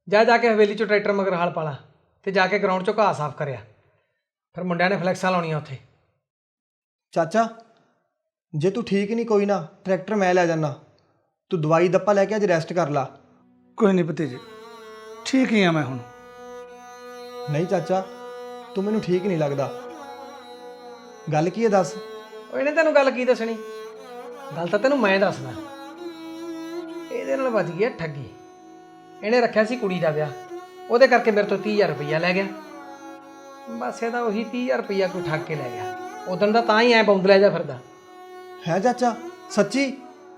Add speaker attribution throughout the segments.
Speaker 1: ਜਾ ਜਾ ਕੇ ਹਵੇਲੀ 'ਚੋਂ ਟਰੈਕਟਰ ਮਗਰ ਹਲ ਪਾ ਲਾ ਅਤੇ ਜਾ ਕੇ ਗਰਾਊਂਡ 'ਚੋਂ ਘਾਹ ਸਾਫ਼ ਕਰਿਆ। ਫਿਰ ਮੁੰਡਿਆਂ ਨੇ ਫਲੈਕਸਾਂ ਲਾਉਣੀਆਂ ਉੱਥੇ।
Speaker 2: ਚਾਚਾ ਜੇ ਤੂੰ ਠੀਕ ਨਹੀਂ ਕੋਈ ਨਾ ਟਰੈਕਟਰ ਮੈਂ ਲੈ ਜਾਣਾ। ਤੂੰ ਦਵਾਈ ਦੱਪਾ ਲੈ ਕੇ ਅੱਜ ਰੈਸਟ ਕਰ ਲਾ।
Speaker 3: ਕੋਈ ਨਹੀਂ ਭਤੀਜੇ, ਠੀਕ ਹੀ ਆ ਮੈਂ ਹੁਣ।
Speaker 2: ਨਹੀਂ ਚਾਚਾ ਤੂੰ ਮੈਨੂੰ ਠੀਕ ਨਹੀਂ ਲੱਗਦਾ। ਗੱਲ ਕੀ ਹੈ ਦੱਸ।
Speaker 1: ਉਹ ਇਹਨੇ ਤੈਨੂੰ ਗੱਲ ਕੀ ਦੱਸਣੀ? ਗੱਲ ਤਾਂ ਤੈਨੂੰ ਮੈਂ ਦੱਸਦਾ। ਇਹਦੇ ਨਾਲ ਵੱਜ ਗਈ ਠੱਗੀ। ਇਹਨੇ ਰੱਖਿਆ ਸੀ ਕੁੜੀ ਦਾ ਵਿਆਹ, ਉਹਦੇ ਕਰਕੇ ਮੇਰੇ ਤੋਂ 30,000 ਰੁਪਈਆ ਲੈ ਗਿਆ। ਬਸ ਇਹਦਾ ਉਹੀ 30,000 ਰੁਪਈਆ ਕੋਈ ਠੱਗ ਕੇ ਲੈ ਗਿਆ। ਉਦੋਂ ਦਾ ਤਾਂ ਹੀ ਐਂ ਬੌਂਦਲਿਆ ਜਾ ਫਿਰਦਾ।
Speaker 2: ਹੈ ਚਾਚਾ ਸੱਚੀ?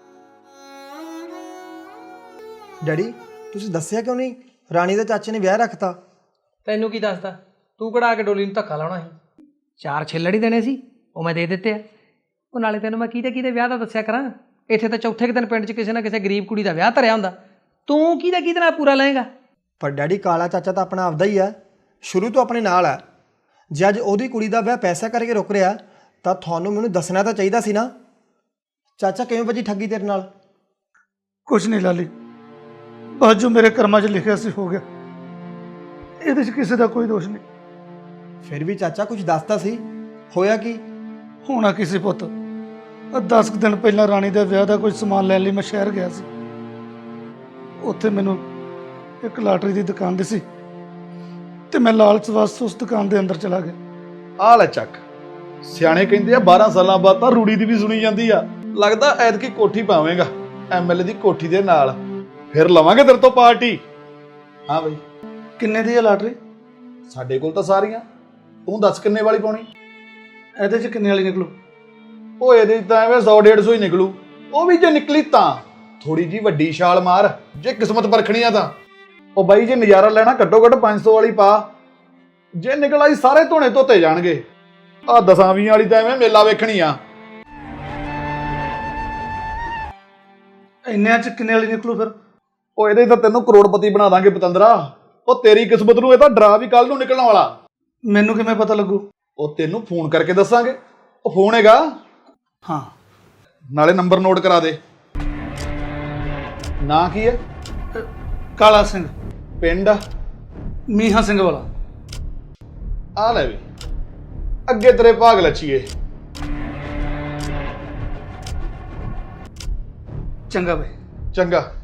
Speaker 2: ਡੈਡੀ ਤੁਸੀਂ ਦੱਸਿਆ ਕਿਉਂ ਨਹੀਂ? ਰਾਣੀ ਦੇ ਚਾਚੇ ਨੇ ਵਿਆਹ ਰੱਖਤਾ।
Speaker 1: ਤੈਨੂੰ ਕੀ ਦੱਸਦਾ? ਤੂੰ ਕਢਾ ਕੇ ਡੋਲੀ ਨੂੰ ਧੱਕਾ ਲਾਉਣਾ ਸੀ। 4 ਛਿੱਲੜ ਹੀ ਦੇਣੇ ਸੀ, ਉਹ ਮੈਂ ਦੇ ਦਿੱਤੇ ਆ। ਉਹ ਨਾਲੇ ਤੈਨੂੰ ਮੈਂ ਕਿਹਦੇ ਵਿਆਹ ਦਾ ਦੱਸਿਆ ਕਰਾਂ? ਇੱਥੇ ਤਾਂ ਚੌਥੇ ਕੁ ਦਿਨ ਪਿੰਡ 'ਚ ਕਿਸੇ ਨਾ ਕਿਸੇ ਗਰੀਬ ਕੁੜੀ ਦਾ ਵਿਆਹ ਧਰਿਆ ਹੁੰਦਾ। ਤੂੰ ਕਿਹਦੇ ਨਾਲ ਪੂਰਾ ਲਏਗਾ?
Speaker 2: ਪਰ ਡੈਡੀ ਕਾਲਾ ਚਾਚਾ ਤਾਂ ਆਪਣਾ ਆਪਦਾ ਹੀ ਹੈ, ਸ਼ੁਰੂ ਤੋਂ ਆਪਣੇ ਨਾਲ ਹੈ। ਜੇ ਅੱਜ ਉਹਦੀ ਕੁੜੀ ਦਾ ਵਿਆਹ ਪੈਸਾ ਕਰਕੇ ਰੁਕ ਰਿਹਾ ਤਾਂ ਤੁਹਾਨੂੰ ਮੈਨੂੰ ਦੱਸਣਾ ਤਾਂ ਚਾਹੀਦਾ ਸੀ ਨਾ। ਚਾਚਾ ਕਿਵੇਂ ਵੱਜੀ ਠੱਗੀ ਤੇਰੇ ਨਾਲ?
Speaker 3: ਕੁਛ ਨਹੀਂ ਲਾਲੀ, ਬਸ ਜੋ ਮੇਰੇ ਕਰਮਾਂ 'ਚ ਲਿਖਿਆ ਸੀ ਹੋ ਗਿਆ। ਇਹਦੇ 'ਚ ਕਿਸੇ ਦਾ ਕੋਈ ਦੋਸ਼ ਨਹੀਂ।
Speaker 2: ਫਿਰ ਵੀ ਚਾਚਾ ਕੁਝ ਦੱਸਦਾ ਸੀ, ਹੋਇਆ ਕੀ?
Speaker 3: ਹੋਣਾ ਕਿਸੇ ਪੁੱਤ, 10 ਦਿਨ ਪਹਿਲਾਂ ਰਾਣੀ ਦੇ ਵਿਆਹ ਦਾ ਕੋਈ ਸਮਾਨ ਲੈਣ ਲਈ ਮੈਂ ਸ਼ਹਿਰ ਗਿਆ ਸੀ। ਉੱਥੇ ਮੈਨੂੰ ਇੱਕ ਲਾਟਰੀ ਦੀ ਦੁਕਾਨ ਦਿਸੀ ਤੇ ਮੈਂ ਲਾਲਚ ਵਾਸਤੇ ਉਸ ਦੁਕਾਨ ਦੇ ਅੰਦਰ ਚਲਾ ਗਿਆ।
Speaker 4: ਆ ਲੈ ਚੱਕ। ਸਿਆਣੇ ਕਹਿੰਦੇ ਆ 12 ਸਾਲਾਂ ਬਾਅਦ ਤਾਂ ਰੂੜੀ ਦੀ ਵੀ ਸੁਣੀ ਜਾਂਦੀ ਆ। ਲੱਗਦਾ ਐਤਕੀ ਕੋਠੀ ਪਾਵੇਂਗਾ ਐਮਐਲਏ ਦੀ ਕੋਠੀ ਦੇ ਨਾਲ, ਫਿਰ ਲਵਾਂਗੇ ਤੇਰੇ ਤੋਂ ਪਾਰਟੀ। ਹਾਂ ਬਈ।
Speaker 3: ਕਿੰਨੇ ਦੀ ਹੈ ਲਾਟਰੀ?
Speaker 4: ਸਾਡੇ ਕੋਲ ਤਾਂ ਸਾਰੀਆਂ, ਤੂੰ ਦੱਸ ਕਿੰਨੇ ਵਾਲੀ ਪਾਉਣੀ?
Speaker 3: ਇਹਦੇ 'ਚ ਕਿੰਨੇ ਵਾਲੀ ਨਿਕਲੂ?
Speaker 4: ਉਹ ਇਹਦੇ ਤਾਂ ਐਵੇਂ 100-150 ਹੀ ਨਿਕਲੂ। ਉਹ ਵੀ ਜੇ ਨਿਕਲੀ ਤਾਂ ਥੋੜੀ ਜੀ ਵੱਡੀ ਛਾਲ ਮਾਰ, ਜੇ ਕਿਸਮਤ ਪਰਖਣੀ ਆ ਤਾਂ। ਉਹ ਬਾਈ ਜੇ ਨਜ਼ਾਰਾ ਲੈਣਾ ਘੱਟੋ ਘੱਟ 500 ਵਾਲੀ ਪਾ। ਜੇ ਨਿਕਲ ਆਈ ਸਾਰੇ ਧੋਣੇ ਧੋਤੇ ਜਾਣਗੇ। ਆ 10-20 ਵਾਲੀ ਤਾਂ ਐਵੇਂ ਮੇਲਾ ਵੇਖਣੀ ਆ।
Speaker 3: ਇੰਨਿਆਂ 'ਚ ਕਿੰਨੇ ਵਾਲੀ ਨਿਕਲੂ ਫਿਰ?
Speaker 4: ਉਹ ਇਹਦੇ ਤਾਂ ਤੈਨੂੰ ਕਰੋੜਪਤੀ ਬਣਾ ਦਾਂਗੇ ਪਤੰਦਰਾ। ਉਹ ਤੇਰੀ ਕਿਸਮਤ ਨੂੰ ਇਹ ਤਾਂ ਡਰਾ ਵੀ ਕੱਲ ਨੂੰ ਨਿਕਲਣ ਵਾਲਾ।
Speaker 3: ਮੈਨੂੰ ਕਿਵੇਂ ਪਤਾ ਲੱਗੂ?
Speaker 4: ਉਹ ਤੈਨੂੰ ਫੋਨ ਕਰਕੇ ਦੱਸਾਂਗੇ। ਉਹ ਫੋਨ ਹੈਗਾ?
Speaker 3: ਹਾਂ।
Speaker 4: ਨਾਲੇ ਨੰਬਰ ਨੋਟ ਕਰਾ ਦੇ। ਨਾਂ ਕੀ ਹੈ?
Speaker 3: ਕਾਲਾ ਸਿੰਘ।
Speaker 4: ਪਿੰਡ?
Speaker 3: ਮੀਹਾਂ ਸਿੰਘ ਵਾਲਾ।
Speaker 4: ਆ ਲੈ ਵੀ, ਅੱਗੇ ਤੇਰੇ ਭਾਗ ਲੱਛੀਏ।
Speaker 3: ਚੰਗਾ ਬਈ।
Speaker 4: ਚੰਗਾ।